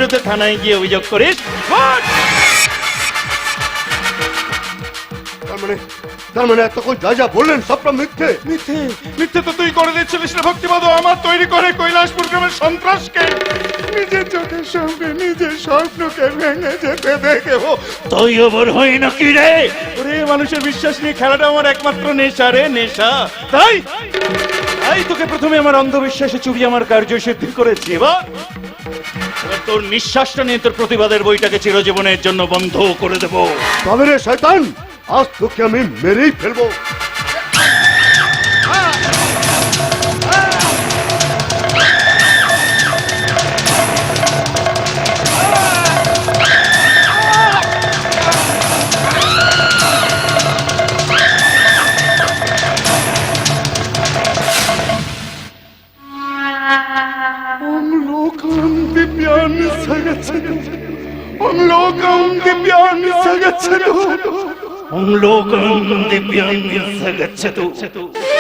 বিরুদ্ধে থানায় গিয়ে অভিযোগ করিস? তার মানে এতক্ষণ যা যা বললেন সবটা মিথ্যে। মিথ্যে? মিথ্যে তো তুই করে দিচ্ছিলিস না ভক্তিবাদ, আমার তৈরি করে কৈলাসপুর গ্রামের সন্ত্রাসকে। নিজের চোখের সামনে নিজের স্বপ্নকে ভেঙে যেতে দেখে তুই ওপর হই না কি রে? ওরে মানুষের বিশ্বাস নিয়ে খেলাটা আমার একমাত্র নেশা রে, নেশা। তাই তাই তোকে প্রথমে আমার অন্ধবিশ্বাসে চুবিয়ে আমার কার্য সিদ্ধি করেছি। এবার তোর নিঃশ্বাসটা নিয়ে তোর প্রতিবাদের বইটাকে চিরজীবনের জন্য বন্ধ করে দেবো। তবে রে শয়তান, আজ তোকে আমি মেরেই ফেলবো। Om lokam dibyan sagacchatu